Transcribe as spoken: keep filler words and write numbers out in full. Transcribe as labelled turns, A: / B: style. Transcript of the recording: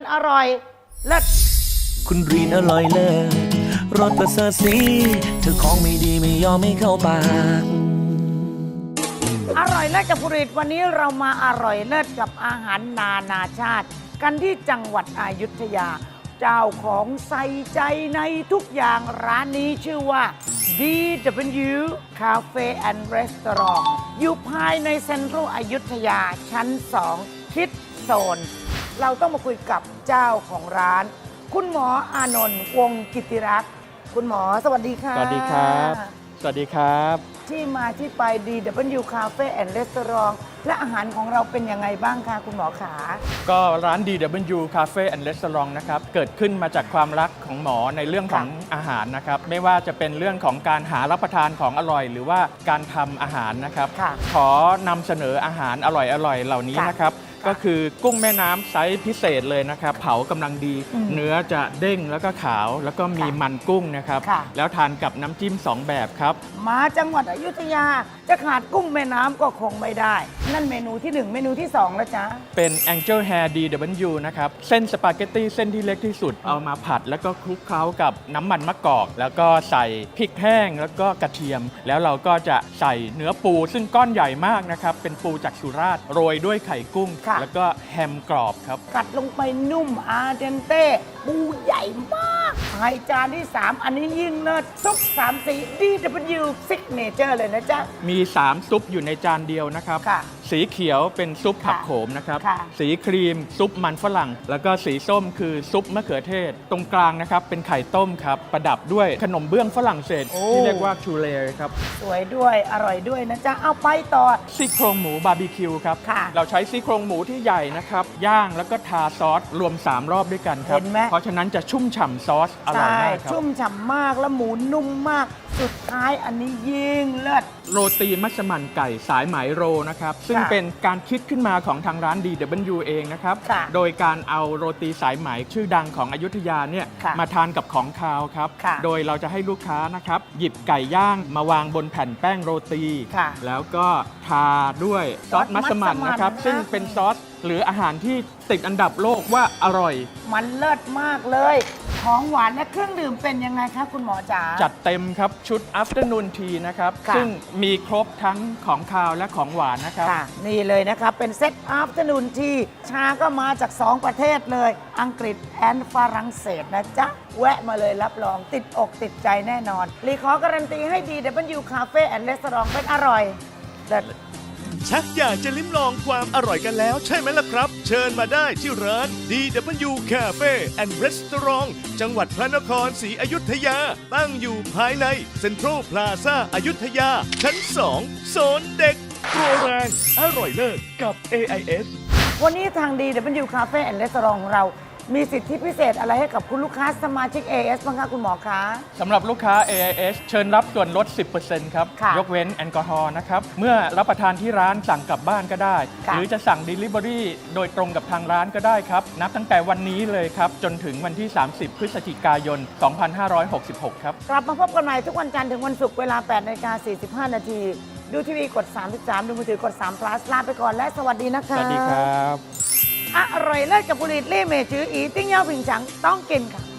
A: อร่อยเลิศ
B: คุณรีนอร่อยเลิศรสประเสริฐสีเธอของไม่ดีไม่ยอมไม่เข้าปาก
A: อร่อยเลิศกับผลิตวันนี้เรามาอร่อยเลิศกับอาหารนานาชาติ กันที่จังหวัดอยุธยา เจ้าของใส่ใจในทุกอย่างร้านนี้ชื่อว่า ดี ดับเบิลยู Cafe and Restaurant อยู่ภายในเซ็นทรัลอยุธยาชั้นสองคิดโซนเราต้องมาคุยกับเจ้าของร้าน คุณหมออานนท์วงศ์กิติรักษ์คุณหมอสวัสดีค่ะ
C: สวัสดีครับ สวัสดีครับ
A: ที่มาที่ไป ดี ดับเบิลยู Cafe and Restaurant และอาหารของเราเป็นยังไงบ้างคะคุณหมอขา
C: ก็ร้าน ดี ดับเบิลยู Cafe and Restaurant นะครับ เกิดขึ้นมาจากความรักของหมอในเรื่องของอาหารนะครับ ไม่ว่าจะเป็นเรื่องของการหารับประทานของอร่อย หรือว่าการทำอาหารนะครับ ขอนำเสนออาหารอร่อยๆเหล่านี้นะครับ ก็คือกุ้งแม่น้ำไซส์พิเศษเลยนะครับ เผากำลังดี เนื้อจะเด้งแล้วก็ขาว แล้วก็มีมันกุ้งนะครับ แล้วทานกับน้ำจิ้มสองแบบครับ
A: มาจังหวัดอยุธยาจะขาดกุ้งแม่น้ำก็คงไม่ได้ นั่นเมนูที่หนึ่งเมนูที่สองแล้วจ๊ะ
C: เป็น Angel Hair ดี ดับเบิลยู นะครับ เส้นสปาเกตตี้เส้นที่เล็กที่สุด เอามาผัดแล้วก็คลุกเคล้ากับน้ำมันมะกอก แล้วก็ใส่พริกแห้งแล้วก็กระเทียม แล้วเราก็จะใส่เนื้อปูซึ่งก้อนใหญ่มากนะครับ เป็นปูจากสุราษฎร์โรยด้วยไข่กุ้ง แล้วก็แฮมกรอบครับ
A: กัดลงไปนุ่มอาเดนเต้ปูใหญ่มากไข่จานที่สามอันนี้ยิ่งเลิศซุปสามสี ดี ดับเบิลยู Signature เลยนะจ๊ะ
C: มีสามซุปอยู่ในจานเดียวนะครับ สีเขียวเป็นซุปผักโขมนะครับ สีครีมซุปมันฝรั่ง แล้วก็สีส้มคือซุปมะเขือเทศ ตรงกลางนะครับเป็นไข่ต้มครับ ประดับด้วยขนมเบื้องฝรั่งเศสที่เรียกว่าชูเลครับ
A: สวยด้วยอร่อยด้วยนะจ๊ะ เอาไปต่อ
C: ซี่โครงหมูบาร์บีคิวครับ เราใช้ซี่โครงหมูที่ใหญ่นะครับ ย่างแล้วก็ทาซอสรวม สาม รอบด้วยกันครับ เพราะฉะนั้นจะชุ่มฉ่ำซอสอร่อยมากครับ
A: ชุ่มฉ่ำมากแล้วหมูนุ่มมาก สุดท้ายอันนี้ยิ่งเลิศ
C: โรตีมัสมั่นไก่สายไหมโรนะครับ ซึ่งเป็นการคิดขึ้นมาของทางร้าน ดี ดับเบิลยู เองนะครับ โดยการเอาโรตีสายไหมชื่อดังของอยุธยาเนี่ยมาทานกับของคาวครับ โดยเราจะให้ลูกค้านะครับหยิบไก่ย่างมาวางบนแผ่นแป้งโรตี แล้วก็ทาด้วยซอสมัสมั่นนะครับ ซึ่งเป็นซอสหรืออาหารที่ติดอันดับโลกว่าอร่อย
A: มันเลิศมากเลยของหวานและเครื่องดื่มเป็นยังไงคะคุณหมอจ๋า
C: จัดเต็มครับชุด afternoon tea นะครับซึ่งมีครบทั้งของคาวและของหวานนะครับ
A: นี่เลยนะครับเป็นเซต afternoon tea ชาก็มาจากสองประเทศเลยอังกฤษแอนฝรั่งเศสนะจ๊ะแวะมาเลยรับรองติดอกติดใจแน่นอนรีขอการันตีให้ ดี ดับเบิลยู Cafe and Restaurant เป็นอร่อยแต่
D: ชักอยากจะลิ้มลองความอร่อยกันแล้วใช่ไหมล่ะครับ เชิญมาได้ที่ร้าน ดี ดับเบิลยู Cafe and Restaurant จังหวัดพระนครศรีอยุธยา ตั้งอยู่ภายในเซ็นทรัลพลาซ่าอยุธยา ชั้นสองโซนเด็กโปรแรงอร่อยเลิศกับ เอ ไอ เอส
A: วันนี้ทาง ดี ดับเบิลยู Cafe and Restaurant ของเรามีสิทธิพิเศษอะไรให้กับคุณลูกค้าสมาชิก เอ เอส บ้างคะคุณหมอคะ
C: สำหรับลูกค้า เอ ไอ เอส เชิญรับส่วนลด สิบเปอร์เซ็นต์ ครับ ยกเว้นแอลกอฮอล์นะครับ เมื่อรับประทานที่ร้านสั่งกลับบ้านก็ได้ หรือจะสั่ง Delivery โดยตรงกับทางร้านก็ได้ครับ นับตั้งแต่วันนี้เลยครับ จนถึงวันที่ สามสิบ พฤศจิกายน สองพันห้าร้อยหกสิบหก ครับ
A: กลับมาพบกันใหม่ทุกวันจันทร์ถึงวันศุกร์เวลา แปดนาฬิกาสี่สิบห้า นาที ดูทีวีกด สามสิบสาม ดูมือถือกด สาม plus ลาไปก่อนและสวัสดีนะคะ
C: สวัสดีครับ
A: อร่อยเลิศกับผลิตเล่เมจืออีติ้งเย่าผิงฉังต้องกินค่ะ